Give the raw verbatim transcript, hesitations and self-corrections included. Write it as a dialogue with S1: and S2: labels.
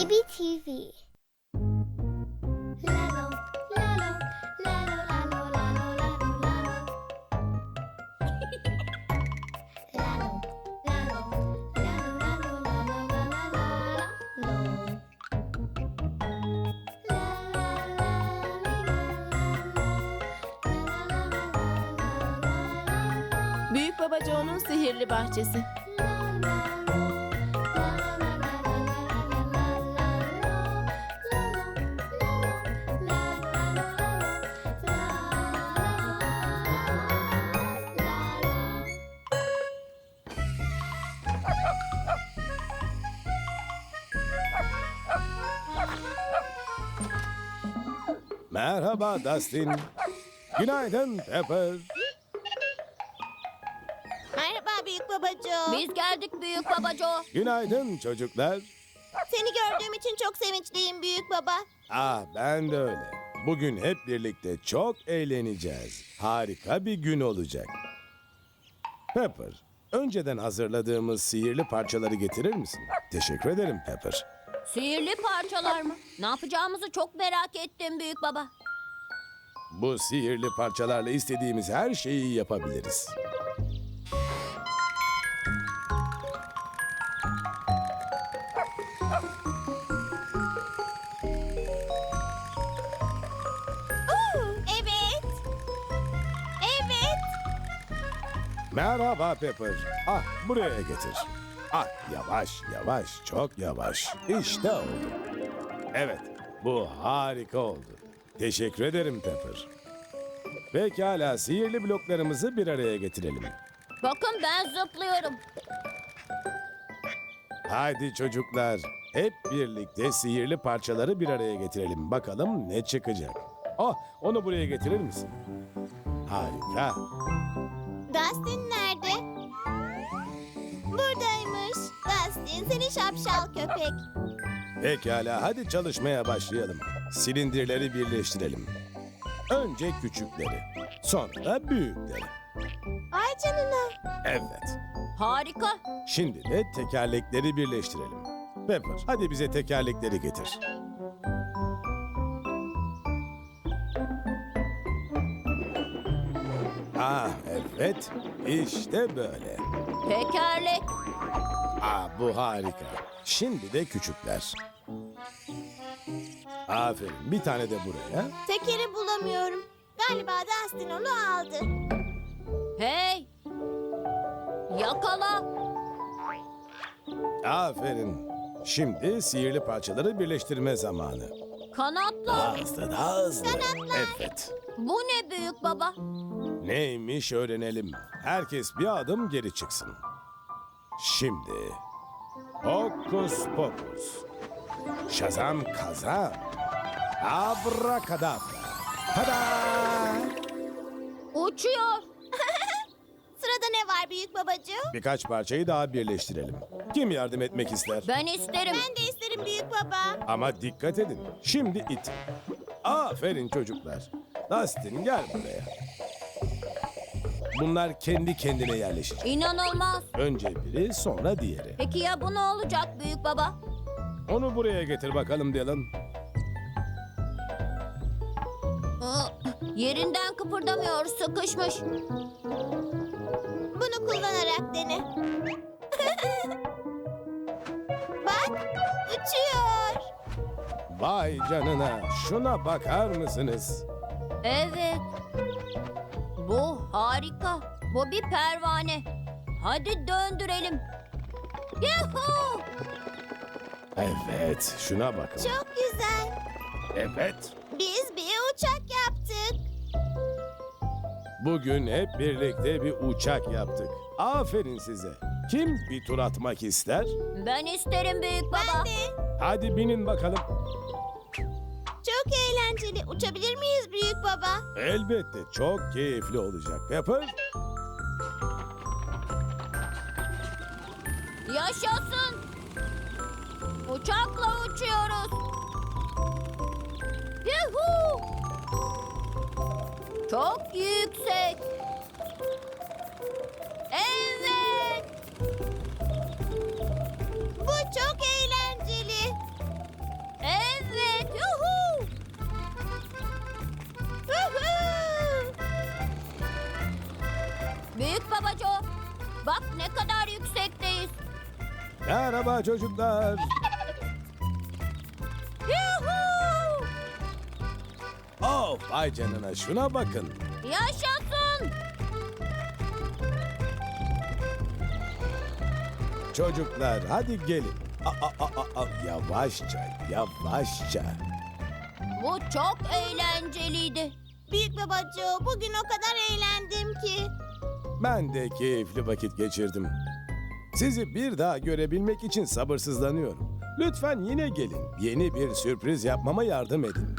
S1: B B T V. Lalo, lalo, lalo, lalo, lalo, lalo, lalo. Lalo, lalo, lalo, lalo, lalo, lalo, lalo. La, la, la, li, la, la, la, la, la, la, la.
S2: Büyük Baba Joe'nun sihirli bahçesi.
S3: Merhaba Dustin. Günaydın Pepper.
S4: Merhaba Büyük Baba Joe.
S5: Biz geldik Büyük Baba Joe.
S3: Günaydın çocuklar.
S4: Seni gördüğüm için çok sevinçliyim Büyük Baba.
S3: Ah ben de öyle. Bugün hep birlikte çok eğleneceğiz. Harika bir gün olacak. Pepper, önceden hazırladığımız sihirli parçaları getirir misin? Teşekkür ederim Pepper.
S5: Sihirli parçalar mı? Ne yapacağımızı çok merak ettim Büyük Baba.
S3: Bu sihirli parçalarla istediğimiz her şeyi yapabiliriz.
S4: Evet. Evet.
S3: Merhaba Pepper. Ah buraya getir. Ah yavaş yavaş çok yavaş. İşte oldu. Evet bu harika oldu. Teşekkür ederim Pepper. Pekala sihirli bloklarımızı bir araya getirelim.
S5: Bakın ben zıplıyorum.
S3: Haydi çocuklar hep birlikte sihirli parçaları bir araya getirelim. Bakalım ne çıkacak. Oh onu buraya getirir misin? Harika.
S4: Dustin nerede? Buradaymış. Dustin seni şapşal köpek.
S3: Pekala hadi çalışmaya başlayalım. Silindirleri birleştirelim. Önce küçükleri, sonra büyükleri.
S4: Ay canına.
S3: Evet.
S5: Harika.
S3: Şimdi de tekerlekleri birleştirelim. Pepper, hadi bize tekerlekleri getir. Ah evet, işte böyle.
S5: Tekerlek.
S3: Ah bu harika. Şimdi de küçükler. Aferin, bir tane de buraya.
S4: Tekeri bulamıyorum. Galiba Dustin onu aldı.
S5: Hey. Yakala.
S3: Aferin. Şimdi sihirli parçaları birleştirme zamanı.
S5: Kanatlar.
S3: Daha hızlı, daha hızlı. Evet.
S5: Bu ne Büyük Baba?
S3: Neymiş öğrenelim. Herkes bir adım geri çıksın. Şimdi hokus pokus. Şazam kazam. Abrakadabra. Tada!
S5: Uçuyor.
S4: Sırada ne var Büyük Babacığım?
S3: Birkaç parçayı daha birleştirelim. Kim yardım etmek ister?
S5: Ben isterim.
S4: Ben de isterim Büyük Baba.
S3: Ama dikkat edin. Şimdi it. Aferin çocuklar. Dustin gel buraya. Bunlar kendi kendine yerleşecek.
S5: İnanılmaz.
S3: Önce biri sonra diğeri.
S5: Peki ya bu ne olacak Büyük Baba?
S3: Onu buraya getir bakalım Dylan.
S5: Aa, yerinden kıpırdamıyor, sıkışmış.
S4: Bunu kullanarak dene. Bak uçuyor.
S3: Vay canına. Şuna bakar mısınız?
S5: Evet. Bu harika. Bu bir pervane. Hadi döndürelim. Yuhuu!
S3: Evet, şuna bakın.
S4: Çok güzel.
S3: Evet.
S4: Biz bir uçak yaptık.
S3: Bugün hep birlikte bir uçak yaptık. Aferin size. Kim bir tur atmak ister?
S5: Ben isterim Büyük Baba.
S4: Ben de.
S3: Hadi binin bakalım.
S4: Çok eğlenceli. Uçabilir miyiz Büyük Baba?
S3: Elbette çok keyifli olacak. Pepper.
S5: Yaşasın. Uçakla uçuyoruz. Yuhuu! Çok yüksek. Evet.
S4: Bu çok eğlenceli.
S5: Bak ne kadar yüksekteyiz.
S3: Merhaba çocuklar.
S5: Yuhuu!
S3: Oh, vay canına, şuna bakın.
S5: Yaşasın.
S3: Çocuklar hadi gelin. Aa, aa, aa, aa, yavaşça, yavaşça.
S5: Bu çok eğlenceliydi.
S4: Büyük babacığım bugün o kadar eğlendim ki.
S3: Ben de keyifli vakit geçirdim. Sizi bir daha görebilmek için sabırsızlanıyorum. Lütfen yine gelin. Yeni bir sürpriz yapmama yardım edin.